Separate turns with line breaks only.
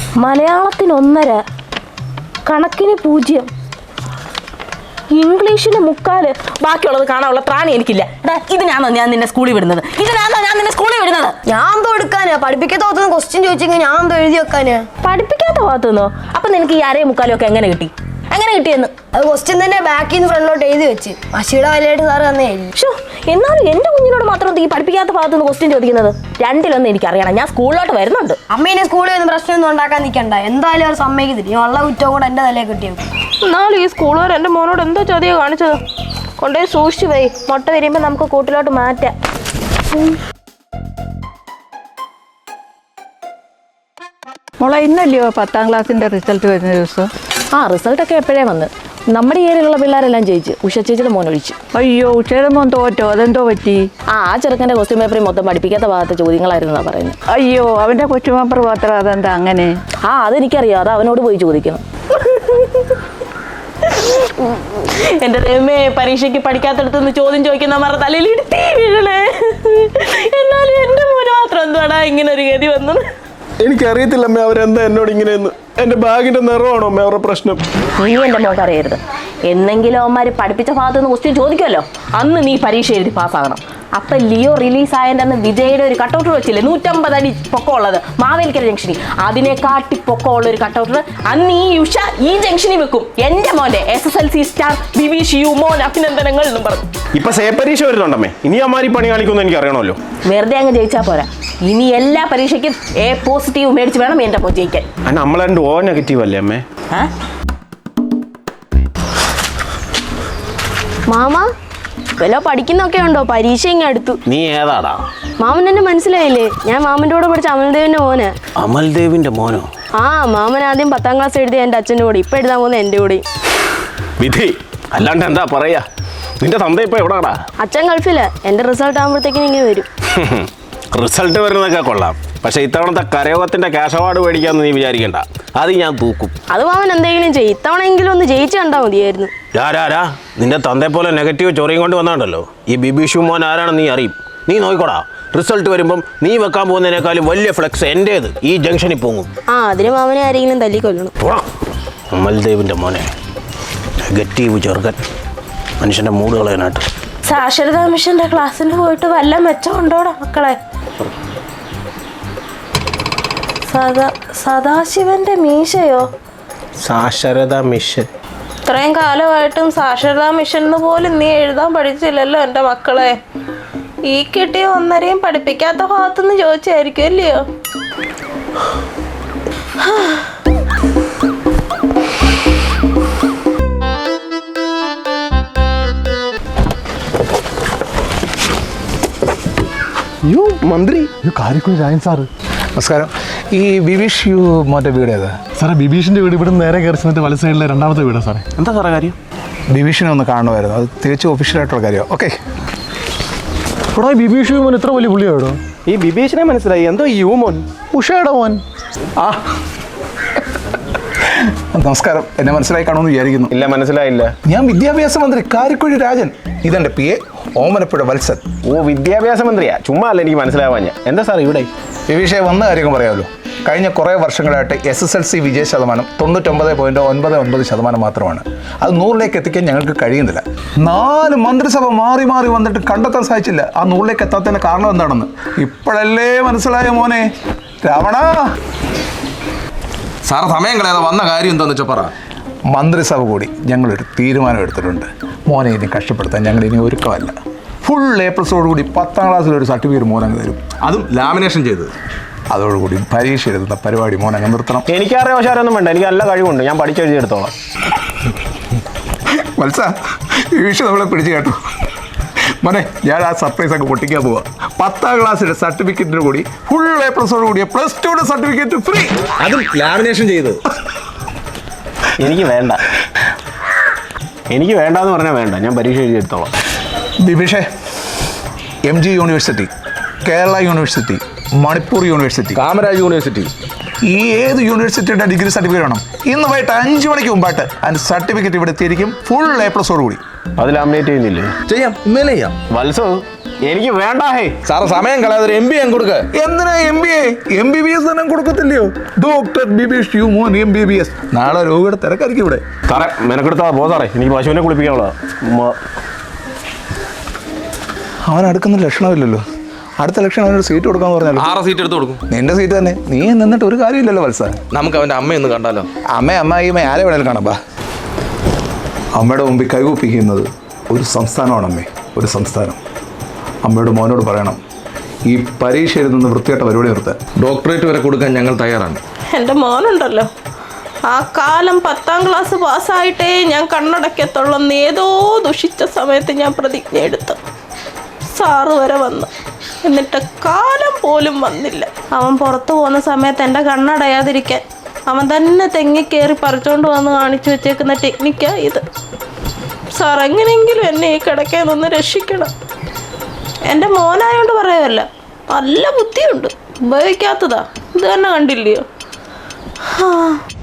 മലയാളത്തിന് 1.5, കണക്കിന് 0, ഇംഗ്ലീഷിന് 3, ബാക്കിയുള്ളത് കാണാനുള്ള ത്രാണി എനിക്കില്ല. ഇതിനാണോ ഞാൻ നിന്നെ സ്കൂളിൽ വിടുന്നത്?
ഞാൻ എന്തോ എടുക്കാനാ? പഠിപ്പിക്കാത്ത ഭാഗത്തുനിന്ന് ക്വസ്റ്റ്യൻ ചോദിച്ചെങ്കിൽ ഞാൻ എന്തോ എഴുതി വെക്കാനാ?
പഠിപ്പിക്കാത്ത ഭാഗത്തുനിന്നോ? അപ്പൊ നിനക്ക് ഈ 2.25 ഒക്കെ എങ്ങനെ കിട്ടിയെന്ന്?
അത് ക്വസ്റ്റ്യൻ തന്നെ ബാക്കിൽ നിന്ന് ഫ്രണ്ടിലോട്ട് എഴുതി വെച്ച് മഷിയുടെ വലയായിട്ട് സാറ് തന്നെ എഴുതി.
എന്നാലും എന്റെ കുഞ്ഞിനോട് മാത്രം ഈ പഠിപ്പിക്കാത്ത ഭാഗത്തുനിന്ന് ക്വസ്റ്റ്യൻ ചോദിക്കുന്നത്? രണ്ടിലൊന്നും എനിക്കറിയണം. ഞാൻ സ്കൂളിലോട്ട് വരുന്നുണ്ട്.
അമ്മേനെ സ്കൂളിൽ നിന്ന് പ്രശ്നമൊന്നും ഉണ്ടാക്കാൻ നിൽക്കണ്ട. എന്തായാലും അവർ സമ്മതിക്കത്തില്ല. ഞാൻ ഉള്ള കുറ്റവും കൂടെ എന്റെ തലയിൽ കിട്ടിയത്.
എന്നാലും ഈ സ്കൂളുകാർ എൻ്റെ മോനോട് എന്തോ ചതിയോ കാണിച്ചത്? കൊണ്ടുപോയി സൂക്ഷിച്ചു പോയി. മുട്ട വരുമ്പോൾ നമുക്ക് കൂട്ടിലോട്ട് മാറ്റാം.
മോളെ, ഇന്നല്ലയോ 10ാം ക്ലാസ്സിൻ്റെ റിസൾട്ട് വരുന്ന ദിവസം?
റിസൾട്ടൊക്കെ എപ്പോഴേ വന്ന്. നമ്മുടെ ഏരിയയിലുള്ള പിള്ളേരെല്ലാം ജയിച്ച്. ഉഷ ചേച്ചിയുടെ മോൻ ഒഴിച്ചു.
അയ്യോ, ഉഷയുടെ മോൻ തോറ്റോ? അതെന്തോ പറ്റി?
ആ ചെറുക്കൻ്റെ ക്വസ്റ്റ്യൻ പേപ്പറിൽ മൊത്തം പഠിപ്പിക്കാത്ത ഭാഗത്തെ ചോദ്യങ്ങളായിരുന്നാ പറയുന്നത്.
അയ്യോ, അവൻ്റെ കൊച്ചുമാപ്പർ മാത്രം. അതെന്താ അങ്ങനെ?
അതെനിക്കറിയാം. അത് അവനോട് പോയി ചോദിക്കണം. എന്റെ ദൈവമേ, പരീക്ഷയ്ക്ക് പഠിക്കാത്തടത്തുനിന്ന് ചോദ്യം ചോദിക്കുന്നവരുടെ തലയിൽ ഇടുത്തി വീഴണേ. എന്നാലും എന്റെ മോന് മാത്രം എന്തുവാടാ ഇങ്ങനെ ഒരു ഗതി വന്നത്?
എനിക്കറിയത്തില്ല അമ്മ, അവരെന്താ എന്നോട് ഇങ്ങനെയെന്ന്. എൻ്റെ ബാഗിന്റെ നിറമാണോ അമ്മ അവരുടെ പ്രശ്നം?
നീ എൻ്റെ മോക്ക് അറിയരുത്. എന്നെങ്കിലും അവന്മാർ പഠിപ്പിച്ച ഭാഗത്തുനിന്ന് ക്വസ്റ്റ്യൻ ചോദിക്കുമല്ലോ, അന്ന് നീ പരീക്ഷ എഴുതി പാസ്സാകണം. അപ്പൊ ലിയോ റിലീസായതിൻ്റെ അന്ന് വിജയുടെ ഒരു കട്ടൗട്ടർ വെച്ചില്ലേ, 150 അടി പൊക്കമുള്ളത് മാവേലിക്കര ജംഗ്ഷനിൽ. അതിനെക്കാട്ടി പൊക്കമുള്ള ഒരു കട്ടൗട്ടർ അന്ന് ഈ ഉഷ ഈ ജംഗ്ഷനിൽ വെക്കും. എന്റെ മോന്റെ SSLC സ്റ്റാർ ബിബി മോൻ അഭിനന്ദനങ്ങൾ എന്നും പറഞ്ഞു.
ഇപ്പൊ സേ പരീക്ഷ വരുന്നുണ്ടമ്മേ. ഇനി അമ്മാരി പണി കാണിക്കുമെന്ന് എനിക്ക് അറിയണമല്ലോ.
വെറുതെ അങ്ങ് ജയിച്ചാൽ പോരാ. ഇനി എല്ലാ പരീക്ഷയ്ക്കും A+ മേടിച്ച് വേണം എന്റെ മോൻ ജയിക്കാൻ.
നമ്മളെ O- അല്ലേ അമ്മേ?
മാമ വല്ല പഠിക്കുന്നൊക്കെ ഉണ്ടോ? പരീക്ഷ ഇങ്ങനെ അടുത്തു.
നീ ഏതാടാ?
മാമൻ എന്നെ മനസ്സിലായില്ലേ? ഞാൻ മാമന്റെ കൂടെ പഠിച്ച അമൽദേവിന്റെ മോന്.
അമൽദേവിന്റെ മോനോ?
മാമൻ ആദ്യം 10ാം ക്ലാസ് എഴുതിയ എന്റെ അച്ഛൻ്റെ കൂടെ, ഇപ്പൊ എഴുതാൻ പോകുന്ന എന്റെ കൂടെ.
വിധി അല്ലാണ്ട് എന്താ പറയാ? നിന്റെ തന്ത ഇപ്പൊ എവിടാടാ?
അച്ഛൻ ഗൾഫില്. എന്റെ റിസൾട്ട് ആകുമ്പോഴത്തേക്കിനും ഇങ്ങനെ വരും.
റിസൾട്ട് വരുന്നതൊക്കെ കൊള്ളാം. പക്ഷെ ഇത്തവണത്തെ കരയോഗത്തിന്റെ ക്യാഷ് അവാർഡ് മേടിക്കാന്ന് നീ വിചാരിക്കണ്ട. അത് ഞാൻ തൂക്കും.
അത് മാമൻ എന്തെങ്കിലും ചെയ്യും. ഇത്തവണെങ്കിലും ഒന്ന് ജയിച്ചു കണ്ടാ മതിയായിരുന്നു.
നിന്റെ തന്തയെ പോലെ നെഗറ്റീവ് ചൊറിയും കൊണ്ട് വന്നാണ്ടല്ലോ. ഈ ബിബി മോൻ ആരാണെന്ന് നീ അറിയും. നീ നോക്കിക്കോടാ, റിസൾട്ട് വരുമ്പം നീ വെക്കാൻ പോകുന്നതിനേക്കാളും വലിയ ഫ്ലെക്സ് എന്റേത് ഈ ജംഗ്ഷനിൽ പോകും.
അതിന് മാമനെ ആരെങ്കിലും തല്ലിക്കൊല്ലണം.
അമൽദേവിന്റെ മോനെ, നെഗറ്റീവ് ചെറുക്കൻ, മനുഷ്യന്റെ മൂട് കളയാനായിട്ട്.
സാക്ഷരതാ മിഷന്റെ ക്ലാസ്സിന് പോയിട്ട് വല്ല മെച്ചമുണ്ടോടാ മക്കളെ? സദാശിവന്റെ മീശയോ?
സാക്ഷരതാ മിഷൻ.
ഇത്രയും കാലമായിട്ടും സാക്ഷരതാ മിഷൻ എന്ന് പോലും നീ എഴുതാൻ പഠിച്ചില്ലല്ലോ എൻ്റെ മക്കളെ. ഈ കിട്ടിയ 1.5 പഠിപ്പിക്കാത്ത ഭാഗത്തുനിന്ന് ചോദിച്ചായിരിക്കും അല്ലയോ?
മന്ത്രി
കാരിക്കുഴി രായൻ സാറ്
നമസ്കാരം. ഈ ബിബീഷ് മോൻ്റെ വീട് ഏതാ
സാറേ? ബിബീഷിൻ്റെ വീട് ഇവിടെ നേരെ കയറി ചെന്നിട്ട് വല സൈഡിലെ 2ാമത്തെ വീടാണ് സാറേ.
എന്താ സാറേ കാര്യം?
ബിബീഷിനെ ഒന്ന് കാണുമായിരുന്നു. അത് തികച്ചും ഒഫീഷ്യലായിട്ടുള്ള കാര്യമാണ്. ഓക്കെ.
ഇവിടെ ബിബീഷ് മോൻ ഇത്ര വലിയ പുള്ളിയാടോ?
ഈ ബിബീഷിനെ മനസ്സിലായി. എന്തോ മോൻ?
ഉഷയുടെ മോൻ.
നമസ്കാരം. എന്നെ മനസ്സിലായി കാണുമെന്ന് വിചാരിക്കുന്നു.
ഇല്ല, മനസ്സിലായില്ല.
ഞാൻ വിദ്യാഭ്യാസ മന്ത്രി കാരിക്കുഴി രാജൻ. ഇതെൻ്റെ PA ഓമനപ്പുഴ വത്സൻ.
വിദ്യാഭ്യാസ മന്ത്രിയാ? ചുമ്മാ അല്ല എനിക്ക് മനസ്സിലാവാൻ. എന്താ സാർ ഇവിടെ?
ബിബീഷെ വന്ന കാര്യങ്ങൾ പറയാമല്ലോ. കഴിഞ്ഞ കുറേ വർഷങ്ങളായിട്ട് SSLC വിജയ ശതമാനം 99.99% മാത്രമാണ്. അത് 100ലേക്ക് എത്തിക്കാൻ ഞങ്ങൾക്ക് കഴിയുന്നില്ല. 4 മന്ത്രിസഭ മാറി മാറി വന്നിട്ട് കണ്ടെത്താൻ സാധിച്ചില്ല ആ 100ലേക്ക് എത്താത്തതിന് കാരണം എന്താണെന്ന്. ഇപ്പോഴല്ലേ മനസ്സിലായ മോനെ രാവണ.
സാറ് സമയം കളയാതെ വന്ന കാര്യം എന്താണെന്ന് വെച്ചാൽ പറ.
മന്ത്രിസഭ കൂടി ഞങ്ങളൊരു തീരുമാനം എടുത്തിട്ടുണ്ട്. മോനെ ഇനി കഷ്ടപ്പെടുത്താൻ ഞങ്ങൾ ഇനി ഒരുക്കമല്ല. ഫുൾ A+ കൂടി 10ാം ക്ലാസ്സിലൊരു സർട്ടിഫിക്കറ്റ് മോനങ്ങ് തരും.
അതും ലാമിനേഷൻ ചെയ്തത്.
അതോടുകൂടി പരീക്ഷ എഴുതുന്ന പരിപാടി മോനങ്ങ് നിർത്തണം.
എനിക്കറിയാം പക്ഷാരൊന്നും വേണ്ട. എനിക്ക് നല്ല കഴിവുണ്ട്. ഞാൻ പഠിച്ചെഴുതിയെടുത്തോളാം.
മത്സ, ഈ വിഷയം നമ്മളെ പിടിച്ചു കേട്ടോ മോനെ. ഞാൻ ആ സർപ്രൈസ് അങ്ങ് പൊട്ടിക്കാൻ പോവാ. 10ാം ക്ലാസ്സിലെ സർട്ടിഫിക്കറ്റിന് കൂടി ഫുൾ A+ കൂടിയ +2 സർട്ടിഫിക്കറ്റ് ഫ്രീ.
അതും ലാമിനേഷൻ ചെയ്തത്.
എനിക്ക് വേണ്ട. എനിക്ക് വേണ്ടെന്ന് പറഞ്ഞാൽ വേണ്ട. ഞാൻ പരീക്ഷ എഴുതിയെടുത്തോളാം.
ബിബിഷേ, MG university, Kerala university, Manipur university,
Kamaraj university,
ഈ ഏത് യൂണിവേഴ്സിറ്റിയുടെ ഡിഗ്രി സർട്ടിഫിക്കറ്റ് വേണം ഇന്ന് വൈകിട്ട് 5 മണിക്ക് മുമ്പായിട്ട് അതിൻ്റെ സർട്ടിഫിക്കറ്റ് ഇവിടെ എത്തിയിരിക്കും. ഫുൾ A+ കൂടി.
അത് ലാമിനേറ്റ് ചെയ്യുന്നില്ലേ?
ചെയ്യാം. ഇന്നലെ ചെയ്യാം.
വത്സോ, എനിക്ക് വേണ്ട ഹേ.
സാറ് സമയം കളയാതെ ഒരു MBA കൊടുക്ക.
എന്തിനാ MBA? MBBS തന്നെ കൊടുക്കത്തില്ലയോ? Doctor Bibish human MBBS. നാളെ രോഗിയുടെ തിരക്കായിരിക്കും ഇവിടെ.
സാറേ മെനക്കെടുത്താ പോ സാറേ, എനിക്ക് പശുവിനെ കുളിപ്പിക്കാനുള്ളതാ.
അവൻ അടുക്കുന്ന ലക്ഷണമില്ലല്ലോ. അടുത്ത ലക്ഷണം അവനൊരു സീറ്റ് കൊടുക്കാന്ന് പറഞ്ഞാലോ?
6 സീറ്റ് എടുത്ത് കൊടുക്കും.
നിന്റെ സീറ്റ് തന്നെ. നീ നിന്നിട്ട് ഒരു കാര്യമില്ലല്ലോ വത്സ.
നമുക്ക് അവന്റെ അമ്മയൊന്ന് കണ്ടാലോ?
അമ്മായി ആരെ വേണേലും കാണാം. ബാ. അമ്മയുടെ മുമ്പിൽ കൈകൂപ്പിക്കുന്നത് ഒരു സംസ്ഥാനമാണ് അമ്മേ, ഒരു സംസ്ഥാനം. അമ്മയുടെ മോനോട് പറയണം ഈ പരീക്ഷ എഴുതുന്ന വൃത്തിയായിട്ട പരിപാടി നിർത്താൻ.
ഡോക്ടറേറ്റ് വരെ കൊടുക്കാൻ ഞങ്ങൾ തയ്യാറാണ്.
എൻ്റെ മോനുണ്ടല്ലോ, ആ കാലം 10ാം ക്ലാസ് പാസ്സായിട്ടേ ഞാൻ കണ്ണടക്കത്തുള്ളെന്ന് ഏതോ ദുഷിച്ച സമയത്ത് ഞാൻ പ്രതിജ്ഞ എടുത്തു. സാറ് വരെ വന്നു, എന്നിട്ട് കാലം പോലും വന്നില്ല. അവൻ പുറത്തു പോകുന്ന സമയത്ത് എൻ്റെ കണ്ണടയാതിരിക്കാൻ അവൻ തന്നെ തെങ്ങിക്കേറി പറിച്ചോണ്ട് വന്ന് കാണിച്ചു വെച്ചേക്കുന്ന ടെക്നിക്കാ ഇത്. സാർ എങ്ങനെയെങ്കിലും എന്നെ ഈ കിടക്കയിൽ നിന്ന് രക്ഷിക്കണം. എൻ്റെ മോനായോണ്ട് പറയുമല്ല, നല്ല ബുദ്ധിയുണ്ട്, ഉപയോഗിക്കാത്തതാ. ഇത് തന്നെ കണ്ടില്ലയോ?